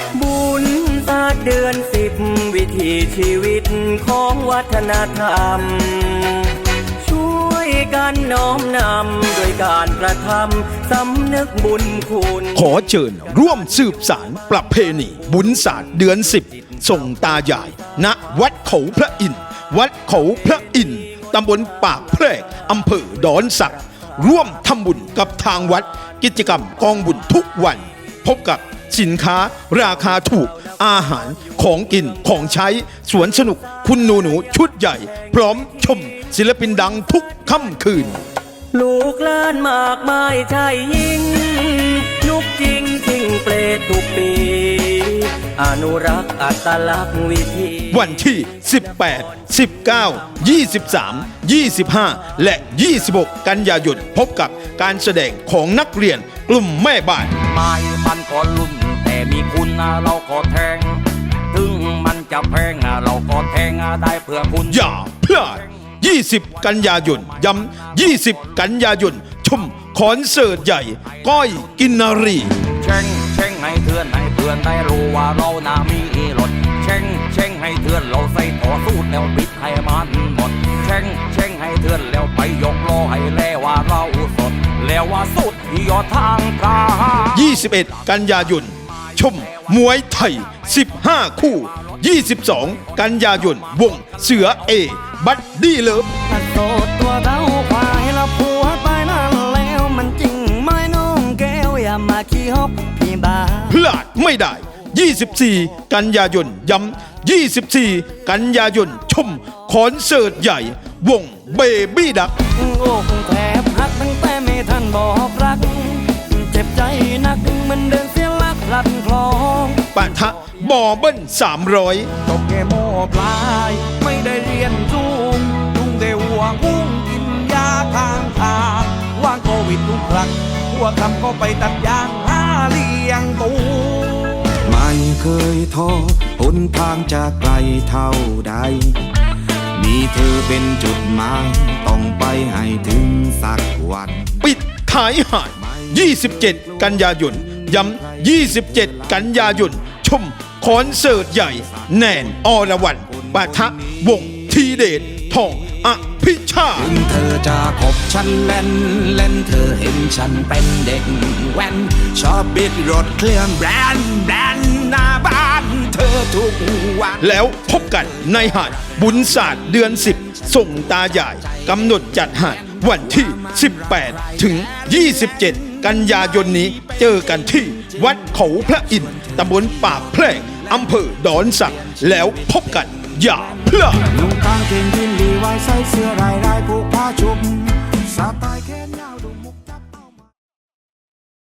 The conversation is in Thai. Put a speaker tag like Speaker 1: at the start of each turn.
Speaker 1: บุญศาสตร์เดือน10วิถีชีวิตของวัฒนธรรมช่วยกันน้อมนำโดยการกระทำสำนึกบุญคุณ
Speaker 2: ขอเชิญร่วมสืบสารประเพณีบุญศาสตร์เดือน10ส่งตายายณวัดเขาพระอินทร์วัดเขาพระอินทร์ตำบลปากแพรกอำเภอดอนสักร่วมทำบุญกับทางวัดกิจกรรมกองบุญทุกวันพบกับสินค้าราคาถูกอาหารของกินของใช้สวนสนุกคุณหนูชุดใหญ่พร้อมชมศิลปินดังทุกค่ำคืน
Speaker 1: ลูกหลานมากมายชายหญิงนุกจริงทิ้งเปรตทุกปีอนุรักษ์อัตลักษณ์วิถี
Speaker 2: วันที่18 19 23 25และ26กันยายนพบกับการแสดงของนักเรียนกลุ่มแม่บ้าน
Speaker 3: ไม่มันก็ลุ่นแต่มีคุณเราก็แทงถึงมันจะแพงเราก็แทงได้เพื่อคุณ
Speaker 2: อย่าพลาด20 กันยายนย้ำ20 กันยายนชมคอนเสิร์ตใหญ่ก้อยกินนารี
Speaker 3: เช่งให้เพื่อนได้รู้ว่าเราน่ามีรถเช่งให้เพื่อนเราใส่ต่อสู้แล้วปิดให้มันหมดเช่งให้เพื่อนแล้วไปยกล้อให้แล้วว่าเราสดแล้วว่าสุดยอดทางกา
Speaker 2: 21 กันยายนชมมวยไทย15 คู่22 กันยายนวงเสือเอบัดดี้เลิฟ
Speaker 1: โสดตัวเราควายแล้วผัวไปนั่นแล้วมันจริงไหมน้องแก้วอย่ามาขี้ฮกพี่บ้า
Speaker 2: พลาดไม่ได้24 กันยายนย้ำ24 กันยายนชมคอนเสิร์ตใหญ่วงเบบี้ดัก
Speaker 1: โอ้แทบหักตั้งแต่ไม่ทันบอกรักเจ็บใจนักมันเดินเสียลักลัดคลอง
Speaker 2: ปะทะบอเบิ้ล300
Speaker 1: ตกแก่โม่ปลายไม่ได้เรียนสูงลุงได้ห่วงหุ้งกินยาทางว่างโควิดทุกครั้งหัวคำก็ไปตัดยางหาเลี้ยงตูไม่เคยท้อหนทางจะไกลเท่าใดมีเธอเป็นจุดหมายต้องไปให้ถึงสักวัน
Speaker 2: ปิดท้ายหาด27 กันยายนย้ำ27 กันยายนชมคอนเสิร์ตใหญ่แนนอรวรรณปะทะวงทีเดชทองอภิชา
Speaker 1: ถึงเธอจะคบฉันเล่นเธอเห็นฉันเป็นเด็กแว้นชอบบิดรถเครื่องแบรนด์หน้าบ้านเธอทุกวัน
Speaker 2: แล้วพบกันในหาดบุญศาสตร์เดือน10ส่งตายายกำหนดจัดหาดวันที่18 ถึง 27 กันยายนนี้เจอกันที่วัดเขาพระอินทร์ตำบลปากแพรกอำเภอดอนสักแล้วพบกันอย่าพลาด
Speaker 1: ลุงตาเก่งที่